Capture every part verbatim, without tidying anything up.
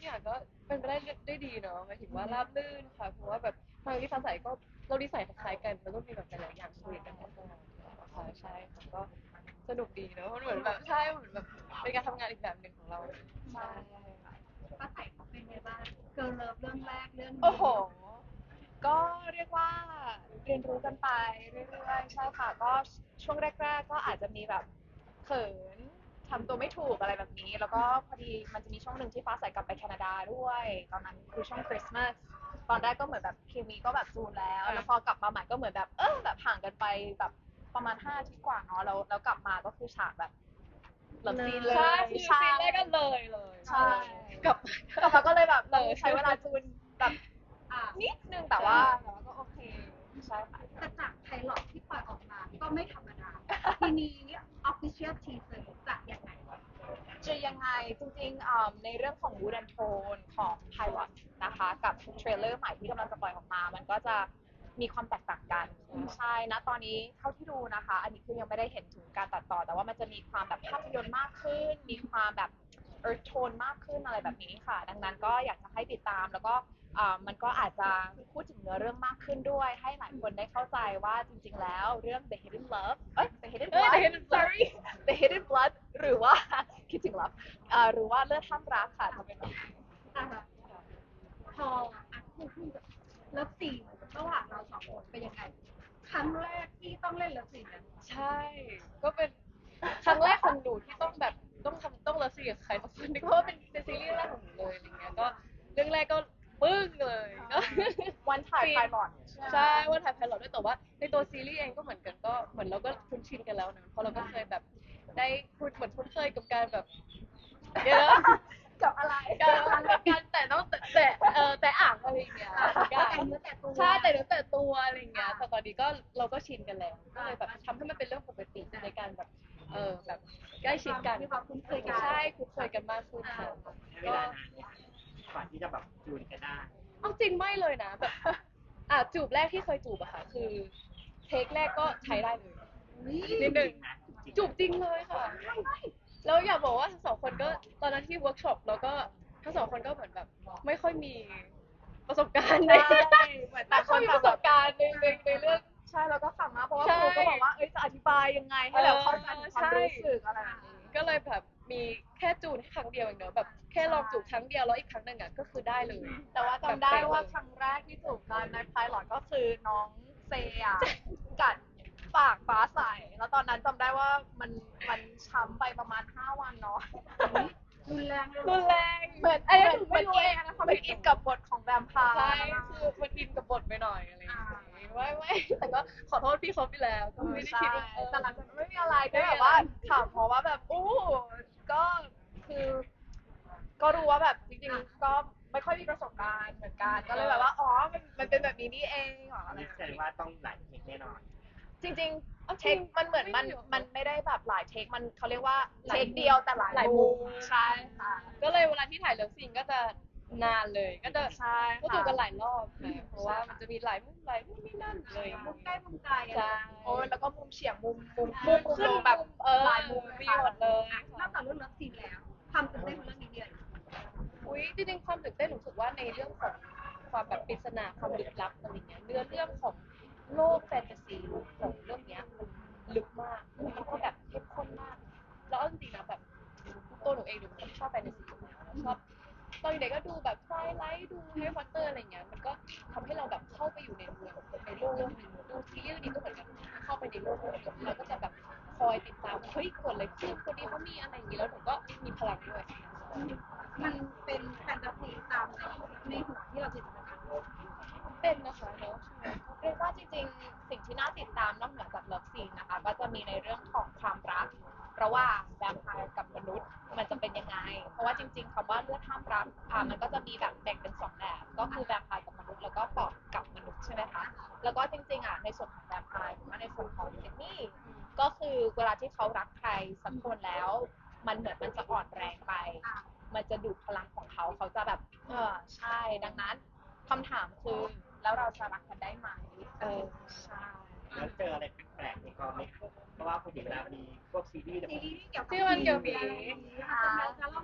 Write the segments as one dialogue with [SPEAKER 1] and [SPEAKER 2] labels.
[SPEAKER 1] อย่างก็เป็นไปได้ได้ดีเนาะหมายถึงว่าราบรื่นค่ะเพราะว่าแบบทางที่ฟ้าใสก็เราดีใส่คล้ายกันแล้วก็มีแบบหลายๆอย่างคุยกันตลอดค่ะใช่ค่ะก็สนุกดีเนาะมันเหมือนแบบใช่เหมือนแบบเป็นการทำงานอีกแบบหนึ่งของเราใช่
[SPEAKER 2] ป้าใส่เขาเป็นไงบ้างเกิร์ลเลิฟเรื่องแรกเรื่อง
[SPEAKER 1] โอ้โห
[SPEAKER 2] นี้
[SPEAKER 1] ก็เรียกว่าเรียนรู้กันไปเรื่อยๆใช่ค่ะก็ช่วงแรกๆก็อาจจะมีแบบเขินทำตัวไม่ถูกอะไรแบบนี้แล้วก็พอดีมันจะมีช่วงหนึ่งที่ฟ้าใสกลับไปแคนาดาด้วยตอนนั้นคือช่วงคริสต์มาสตอนแรกก็เหมือนแบบเคมีก็แบบจูนแล้วแล้วพอกลับมาใหม่ก็เหมือนแบบเออแบบห่างกันไปแบบประมาณห้าอาทิตย์กว่าเนาะแล้วแล้วกลับมาก็คือฉากแบบเลิฟซีนเลย
[SPEAKER 3] ใช่คือ
[SPEAKER 1] ใช่
[SPEAKER 3] ซีนแรกก็เลยเลย
[SPEAKER 1] ใช่
[SPEAKER 3] กลับ
[SPEAKER 1] กลับมาก็เลยแบบ
[SPEAKER 3] เล
[SPEAKER 1] ต้อง
[SPEAKER 3] ย
[SPEAKER 1] ใช้เวลาจูนแบบ
[SPEAKER 2] อ่า
[SPEAKER 1] นิดนึงแต่ว่าแต่ว่าก็โอเคใช่ค่ะ
[SPEAKER 2] แต่จากไพลอตที่ปล่อยออกมาก็ไม่ธรรมดาทีนี้ official teaser จะยังไง
[SPEAKER 1] จะยังไงจริงๆอ่าในเรื่องของ Mood and Tone ของ Pilot นะคะกับเทรลเลอร์ใหม่ที่กำลังจะปล่อยออกมามันก็จะมีความแตกต่างกันใช่นะตอนนี้เท่าที่ดูนะคะอันนี้คือยังไม่ได้เห็นถึงการตัดต่อแต่ว่ามันจะมีความแบบภาพยนตร์มากขึ้นมีความแบบ earth tone มากขึ้นอะไรแบบนี้ค่ะดังนั้นก็อยากจะให้ติดตามแล้วก็อ่ามันก็อาจจะพูดถึงเนื้อเรื่องมากขึ้นด้วยให้หลายคนได้เข้าใจว่าจริงๆแล้วเรื่อง The Hidden Love เอ้ย The Hidden
[SPEAKER 3] เอ้ย
[SPEAKER 1] Blood
[SPEAKER 3] The Hidden Blood
[SPEAKER 1] sorry The Hidden Blood หรือว่าคิดถึงลับอ่าหรือว่าเลือดข้ามรักค่ะจะเป็นแบบนี้
[SPEAKER 2] อ่าพออ่ะพูดพูดเลิฟซีนระหว่างเราสองคนเป็นยังไงครั้งแรกที่ต้องเล่นเลิฟซีนกัน
[SPEAKER 3] ใช่ก็เป็นครั้งแรกของหนูที่ต้องแบบต้องทำต้องเลิฟซีกับใครสักคนหนึงเพราะว่าเป็นเป็นซีรีส์แรกของหนูเลยอะไรเงี้ยก็เรื่องแรกก็ปึ้งเลยก็
[SPEAKER 1] วันถ่าย
[SPEAKER 3] ซีน
[SPEAKER 1] Pilot
[SPEAKER 3] ใช่ว่าถ่ายไพลอตด้วยแต่ว่าในตัวซีรีส์เองก็เหมือนกันก็เหมือนเราก็คุ้นชินกันแล้วนะเพราะเราก็เคยแบบได้พูดเหมือนคุ้นเคยกับการแบบเดี๋ยวนะ
[SPEAKER 1] กับอะไร
[SPEAKER 3] การการแต่ต้องแต่แต่เออแต่อ่างอะไรอย่างเงี้ยทุกอย่าง
[SPEAKER 2] แต่เนื้อแต่ตัว
[SPEAKER 3] ใช่แต่เนื้อแต่ตัวอะไรอย่างเงี้ยแต่ตอนนี้ก็เราก็ชินกันแล้วก็เลยแบบทำให้มันเป็นเรื่องปกติในการแบบเออแบบใกล้ชิดกัน
[SPEAKER 2] มีความคุ้นเคยกัน
[SPEAKER 3] ใช่คุ้นเคยกันมากขึ้นค่ะ
[SPEAKER 4] เวลานานเนี่ยก่อนที่จะแบบจูนกันได้
[SPEAKER 3] เอาจริงไม่เลยนะแบบอ่ะจูบแรกที่เคยจูบอะค่ะคือเทคแรกก็ใช้ได้เลย นิดนึงจูบจริงเลยค่ะแล้วอยากบอกว่าทั้งสองคนก็ตอนนั้นที่เวิร์กช็อปแล้วก็ทั้งสองคนก็เหมือนแบบไม่ค่อยมีประสบการณ์ใน
[SPEAKER 1] ใช่เหมือนต่า
[SPEAKER 3] ไม่
[SPEAKER 1] งค
[SPEAKER 3] ค่อยมีประส
[SPEAKER 1] นต่างแบบ
[SPEAKER 3] บการณ์ในในในเรื่อง
[SPEAKER 1] ใช่เราก็ขำมากเพราะว่า
[SPEAKER 3] ใช่
[SPEAKER 1] ครูก็บอกว่าเอ้ยจะอธิบายยังไงให้แบบเข้าใจถึงความรู้สึกอะไรแบบนี้
[SPEAKER 3] ก็เลยแบบมีแค่จูนแค่ครั้งเดียวเองเนอะแบบแค่ลองจูบครั้งเดียวแล้วอีกครั้งหนึ่งอ่ะก็คือได้เลย
[SPEAKER 1] แต่ว่าจำได้ว่าครั้งแรกที่จูบกันในไพลอตก็คือน้องเซอะกัดปากฟ้าใสแล้วตอนนั้นจำได้ว่ามันมันช้ำไปประมาณห้าวันเนาะ
[SPEAKER 2] รุนแรงเลย
[SPEAKER 3] รุนแรง
[SPEAKER 1] เหมือน
[SPEAKER 3] อันนี้
[SPEAKER 1] เหมือน
[SPEAKER 3] หนู
[SPEAKER 1] เหมื
[SPEAKER 3] ไม่
[SPEAKER 1] อน
[SPEAKER 3] รู้
[SPEAKER 1] อิ
[SPEAKER 3] เอน งนะเขา
[SPEAKER 1] เหมือน
[SPEAKER 3] ไม่
[SPEAKER 1] อินกับบทของแวมไพร์
[SPEAKER 3] ใช่คือมันอินกับบทไปหน่อยอะไรอย่างงี้ไม่ไม่แต่ก็ขอโทษพี่เขาไปแล้วก็ไม่ได้คิดว่าเออ
[SPEAKER 1] แต่หลังจากนั้นไม่มีอะไรก็แบบว่าขำเพราะว่าแบบอู้ก็คือก็รู้ว่าแบบจริงๆก็ไม่ค่อยมีประสบการณ์เหมือนกันก็เลยแบบว่าอ๋อมันมันเป็นแบบนี้นี่เองเหรออะไร
[SPEAKER 4] นี่
[SPEAKER 1] แบบ
[SPEAKER 4] แสดง
[SPEAKER 1] นี้
[SPEAKER 4] ว่าต้องหลายเทคแน่นอน
[SPEAKER 1] จริงๆเทค
[SPEAKER 3] เอาจริง
[SPEAKER 1] มันเหมือนมัน
[SPEAKER 3] ไม่เยอะ
[SPEAKER 1] มันไม่ได้แบบหลายเทคมันเขาเรียกว่า
[SPEAKER 3] หลา
[SPEAKER 1] เท
[SPEAKER 3] ย
[SPEAKER 1] คเดียวแต่หลาย
[SPEAKER 3] หลายมุ
[SPEAKER 1] มุ
[SPEAKER 3] ม
[SPEAKER 1] มใช่ค่ะ
[SPEAKER 3] ก็เลยเวลาที่ถ่ายเลิฟซีนก็จะนานเลย ก็จะ
[SPEAKER 1] ใช่ค่ะ
[SPEAKER 3] ก็จูบกันหลายรอบค่ะเพราะว่ามันจะมีหลายมุมหลายมุมนี่นั่นเลย
[SPEAKER 2] มุมใกล้มุมไกลอะไร
[SPEAKER 3] ใช่
[SPEAKER 1] โอ้ยแล้วก็มุมเฉียงมุมมุม
[SPEAKER 3] มุมขึ้น
[SPEAKER 1] ลงแบบ
[SPEAKER 3] เออ
[SPEAKER 1] หลายมุม
[SPEAKER 3] มี
[SPEAKER 1] ค่ะ
[SPEAKER 3] หมดเลย
[SPEAKER 2] นอกจากเรื่องเลิฟซีนแล้วความตื่นเต้นของเรื่องนี้เนี่ย
[SPEAKER 3] อุ้ยจริงๆความตื่นเต้นหนูรู้สึกว่าในเรื่องของความแบบปริศนาความลึกลับอะไรเงี้ยเนื้อเรื่องของโลกแฟนตาซีของเรื่องเนี้ยมันลึกมากแล้วก็แบบเข้มข้นมากแล้วเอาจริงๆนะแบบตัวหนูเองหนูเป็นคนที่ชอบแฟนตาซีอยู่แล้วแล้วชอบตอนเด็กก็ดูแบบไฟไลท์ดูแฮร์รี่พอตเตอร์อะไรเงี้ยมันก็ทำให้เราแบบเข้าไปอยู่ในเมืองในโลกโลกหนึงดูซีรีส์เรื่องนี้ก็เหมือนกันเข้าไปในโลกโลกหนึงเราก็จะแบบคอยติดตามเฮ้ยเกิดอะไรขึ้นคนนี้เขามีอะไรอย่างงี้แล้วหนูก็มีพลังด้วย
[SPEAKER 2] มันเป็นแฟนตาซีตามในในหัวที่เราจินตนาการไว้
[SPEAKER 3] เป็นนะคะเนอะใช่ไหม
[SPEAKER 1] เรียกว่าจริงๆสิ่งที่น่าติดตามนอกเหนือจากเลิฟซีนนะคะก็จะมีในเรื่องของความรักระหว่างแวมไพร์กับมนุษย์มันจะเป็นยังไงเพราะว่าจริงๆคำว่าเลือดห้ามรักอ่ามันก็จะมีแบบแบ่งเป็นสองแบบก็คือแวมไพร์กับมนุษย์แล้วก็ปอบกับมนุษย์ใช่ไหมคะแล้วก็จริงๆอ่ะในส่วนของแวมไพร์หรือว่าในส่วนของซิดนีย์ก็คือเวลาที่เขารักใครสักคนแล้วมันเหมือนมันจะอ่อนแรงไปมันจะดูดพลังของเขาเขาจะแบบเออใช่ดังนั้นคำถามคือแล้วเราจะรักกันได้ไหมเออใช่
[SPEAKER 4] แล้วเจออะไรแปลกๆในกองไหมเพราะว่าปกติเวลามีพวกซีรีส์เนี่ย
[SPEAKER 2] ซีรีส์ที่เกี่ยวกับ
[SPEAKER 3] ที่มันเกี่ยวกับผี
[SPEAKER 2] ผีมันจะเล่าแบบ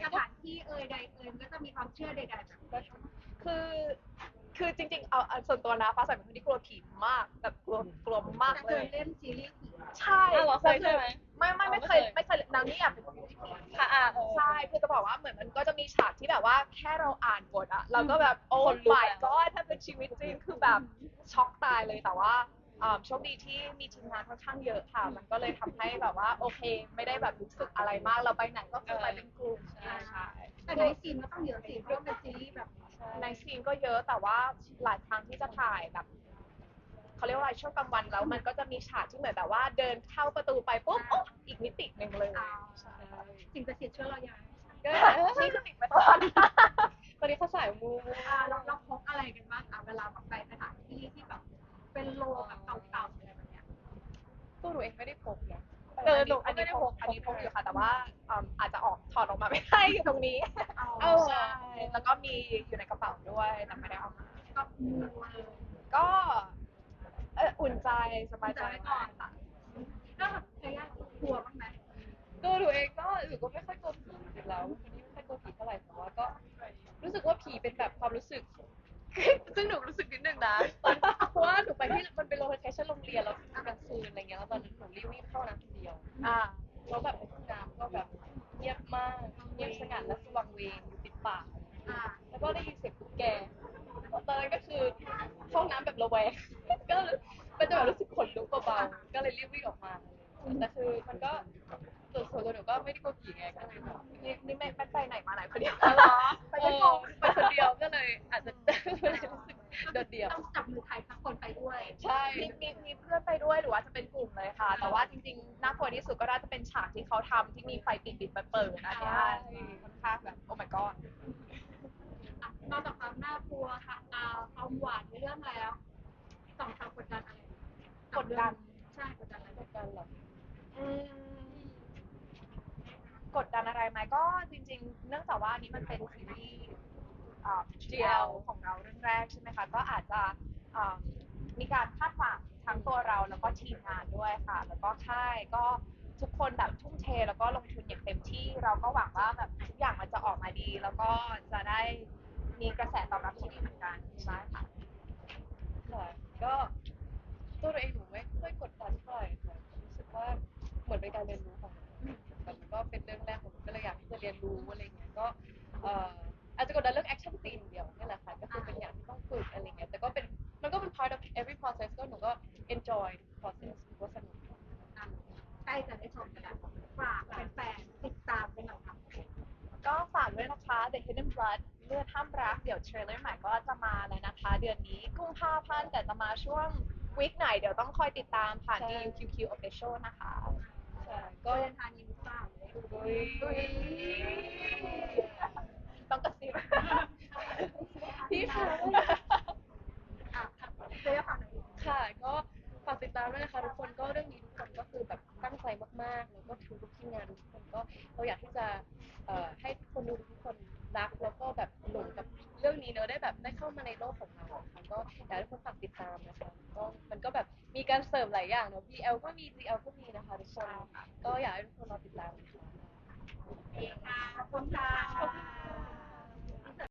[SPEAKER 2] สถานที่เอ่ยใดเอ่ยมันก็จะมีความเชื่อใดๆแบบ
[SPEAKER 1] คือคือจริงๆเอาเอาส่วนตัวนะฟ้าใสเป็นคนที่กลัวผีมากแบบกลัวกลัวมาก
[SPEAKER 2] แต่
[SPEAKER 1] เล
[SPEAKER 2] เค
[SPEAKER 1] ย
[SPEAKER 2] ยเล่นซีรีส์ผี
[SPEAKER 1] ใช่
[SPEAKER 3] อ้าวเหรอเคยใช่ไหม
[SPEAKER 1] ไม่ไม่ไม่
[SPEAKER 3] อ๋อ
[SPEAKER 1] เคย
[SPEAKER 3] ไม่
[SPEAKER 1] ไม่
[SPEAKER 3] เค
[SPEAKER 1] เค
[SPEAKER 3] ย
[SPEAKER 1] ยนางนี่อยากเป็นคนที่ผี
[SPEAKER 3] ค่ะอ่ะเออ
[SPEAKER 1] ใช่คือจะบอกว่าเหมือนมันก็จะมีฉากที่แบบว่าแค่เราอ่านบทอะเราก็แบบโอ้
[SPEAKER 3] คนลุก
[SPEAKER 1] my
[SPEAKER 3] แล้ว
[SPEAKER 1] god ถ้าเป็นชีวิตจริงคือแบบช็อกตายเลยแต่ว่าอ่าโชคดีที่มีทีมงานค่อนข้างเยอะค่ะ มันก็เลยทำให้แบบว่าโอเคไม่ได้แบบรู้สึกอะไรมากเราไปไหนก็คือไปเป็นกลุ่ม
[SPEAKER 3] ใช่
[SPEAKER 1] ใช่
[SPEAKER 2] แต่ในซีนก็ต้องเยอะสิเพราะว่าเป็นซีรีส์แบบ
[SPEAKER 1] ในซีนก็เยอะแต่ว่าหลายครั้งที่จะถ่ายแบบเขาเรียกว่าอะไรช่วงกลางวันแล้วมันก็จะมีฉากที่เหมือนแบบว่าเดินเข้าประตูไปปุ๊บโอ๊ะอีกมิติหนึ่งเลย
[SPEAKER 2] อ่า
[SPEAKER 1] ใช่
[SPEAKER 2] สิ่งศักดิ์สิทธิ์ช่วยเรายัง
[SPEAKER 3] ก็
[SPEAKER 1] นี่คือติดไปตลอด
[SPEAKER 3] ตอนนี้เขาสายมู
[SPEAKER 2] อ่าเราเราพกอะไรกันบ้างอ่ะเวลาแบบไปสถานที่ที่แบบเป็นโลแบบเก่าๆอะไรแบบเนี้ย
[SPEAKER 3] ตัวหนูเองไม่ได้พกนะ
[SPEAKER 1] เอ
[SPEAKER 3] เอ
[SPEAKER 1] อ
[SPEAKER 3] อ
[SPEAKER 1] ห
[SPEAKER 3] ห
[SPEAKER 1] นู
[SPEAKER 3] นู
[SPEAKER 1] อั
[SPEAKER 3] ก็
[SPEAKER 1] น
[SPEAKER 3] ไม่
[SPEAKER 1] นี้
[SPEAKER 3] ได้
[SPEAKER 1] พ
[SPEAKER 3] พ
[SPEAKER 1] ก
[SPEAKER 3] ก
[SPEAKER 1] อันนี้พกอยู่ค่ะแต่ว่าอืมอาจจะออกถอดออกมาไม่ได้อยู่ตรงนี้
[SPEAKER 2] เอา
[SPEAKER 1] ใช่แล้วก็มีอยู่ในกระเป๋าด้วยแต่ไม่ได้เอามา
[SPEAKER 2] ก็มูเลย
[SPEAKER 1] ก็เอออุ่นใจสบายใจ
[SPEAKER 2] ไว้ก่อนก็แบบเคยยากกลัวบ้างไหม
[SPEAKER 3] ตัวหนูเองก็หนูก็ไม่ค่อยกลัวผีจริงๆแล้วคนนี้ไม่ค่อยกลัวผีเท่าไหร่แต่ว่าก็รู้สึกว่าผีเป็นแบบความรู้สึก ซึ่งหนูรู้สึกนิดนึงนะตอนเพราะว่าหนูไปที่มันเป็นโลเคชั่นโรงเรียนแล้วกลางคืนอะไรเงี้ยแล้วตอนนั้นหนูรีบวิ่งเข้าน้ำคนเดียว
[SPEAKER 1] อ่า
[SPEAKER 3] แล้วแบบในห้องน้ำก็แบบเงียบมากเงียบสงัดและสว่างเวงอยู่ติดป่า
[SPEAKER 2] อ่า
[SPEAKER 3] แล้วก็ได้ยินเสียงตุ๊กแกตอนนั้นก็คือเข้าห้องน้ำแบบระแวง ก็เลยมันจะแบบรู้สึกขนลุกเบาๆก็เลยรีบวิ่งออกมาแต่คือมันก็ส่วนส่วนตัวหนูก็ไม่ได้กลัวผีไงก็เลยแบบ
[SPEAKER 1] นี่นี่ไม่ไม่ไปไหนมาไหนคนเดียว
[SPEAKER 3] อ๋อเหรอ
[SPEAKER 1] ไป
[SPEAKER 3] ไป
[SPEAKER 1] ไม่
[SPEAKER 3] ไม่
[SPEAKER 1] พ
[SPEAKER 3] พ
[SPEAKER 1] อ
[SPEAKER 3] อไปคนเดียวก็เลยอาจจะ ไม่ได้รู้สึกโดดเดี่ยว
[SPEAKER 2] ต้องจับมือใครสักคนไปด้วย
[SPEAKER 3] ใช่
[SPEAKER 1] มีมีมีเพื่อนไปด้วยหรือว่าจะเป็นกลุ่มเลยค่ะ แต่ว่าจริงๆน่ากลัวที่สุดก็น่าจะเป็นฉากที่เขาทำที่มีไฟปิดปิดเปิดเปิดอันเนี้ยค่อนข้างแบบโอ้ my god
[SPEAKER 2] อ่ะนอกจากความน่ากลัวค่ะอ่าความหวานในเรื่องแล้วสองสาวกดดันอะไร
[SPEAKER 1] กดดัน
[SPEAKER 2] ใช่กดดันอะไร
[SPEAKER 3] กดดันเหรอ
[SPEAKER 1] อืมกดดันอะไรไหมก็จริงๆ เนื่องจากว่าอันนี้มันเป็นซีรีส์อ่า จี แอล ของเราเรื่องแรกใช่ไหมคะ ก็อาจจะอ่ามีการคาดหวังทั้งตัวเราแล้วก็ทีมงานด้วยค่ะ แล้วก็ค่ายก็ทุกคนแบบทุ่มเทแล้วก็ลงทุนอย่างเต็มที่ เราก็หวังว่าแบบทุกอย่างมันจะออกมาดี แล้วก็จะได้มีกระแสตอบรับที่ดีเหมือนกันใช่ค่ะ
[SPEAKER 3] ค่ะก็ตัวเราเองหนูไม่ค่อยกดดันเท่าไหร่ค่ะรู้สึกว่าเหมือนเป็นการเรียนรู้ของหนูแต่มันก็เป็นเรื่องแรกของหนูก็เลยอยากที่จะเรียนรู้อะไรเงี้ยก็เอ่ออาจจะกดดันเรื่องแอคชั่นซีนเดียวนี่แหละค่ะก็คือเป็นอย่างที่ต้องฝึกอะไรเงี้ยแต่ก็เป็นมันก็เป็น part of every process ก็หนูก็ enjoy process หนูก็สนุก
[SPEAKER 2] อ่ะใกล้จะได้ชมกันแล้วฝากแฟนๆติดตามกันหน่อยค่ะ
[SPEAKER 1] ก็ฝากด้วยนะคะ The Hidden Blood เลือดห้ามรัก เดี๋ยวเทรลเลอร์ใหม่ก็จะมาแล้วนะคะ เดือนนี้กุมภาพันธ์แต่จะมาช่วงวีคไหนเดี๋ยวต้องคอยติดตามผ่าน
[SPEAKER 3] ใช่
[SPEAKER 1] ดี ยู คิว คิว Official นะคะ
[SPEAKER 3] ใช่
[SPEAKER 2] ก็
[SPEAKER 3] ก็
[SPEAKER 2] เดินทางยินดีต้อน
[SPEAKER 3] อุ้ย
[SPEAKER 1] ต้องกระซิบ
[SPEAKER 3] พี่คะ
[SPEAKER 2] อ่ะเดี๋ยวฝากหน่อย
[SPEAKER 3] ค่ะก็ฝากติดตามด้วยนะคะทุกคนก็เรื่องนี้ทุกคนก็คือแบบตั้งใจมากๆแล้วก็ทุกทีมงานทุกคนก็เราอยากที่จะเอ่อให้คนดูทุกคนรักแล้วก็แบบหลงกับเรื่องนี้เนอะได้แบบได้เข้ามาในโลกของเราค่ะก็อยากให้ทุกคนฝากติดตามนะคะก็มันก็แบบมีการเสริมหลายอย่างเนอะ บี แอล ก็มี จี แอล ก็มีนะคะทุกคนก็อยากให้ทุกคนรอติดตามนะคะ
[SPEAKER 2] ขอบคุณค่ะ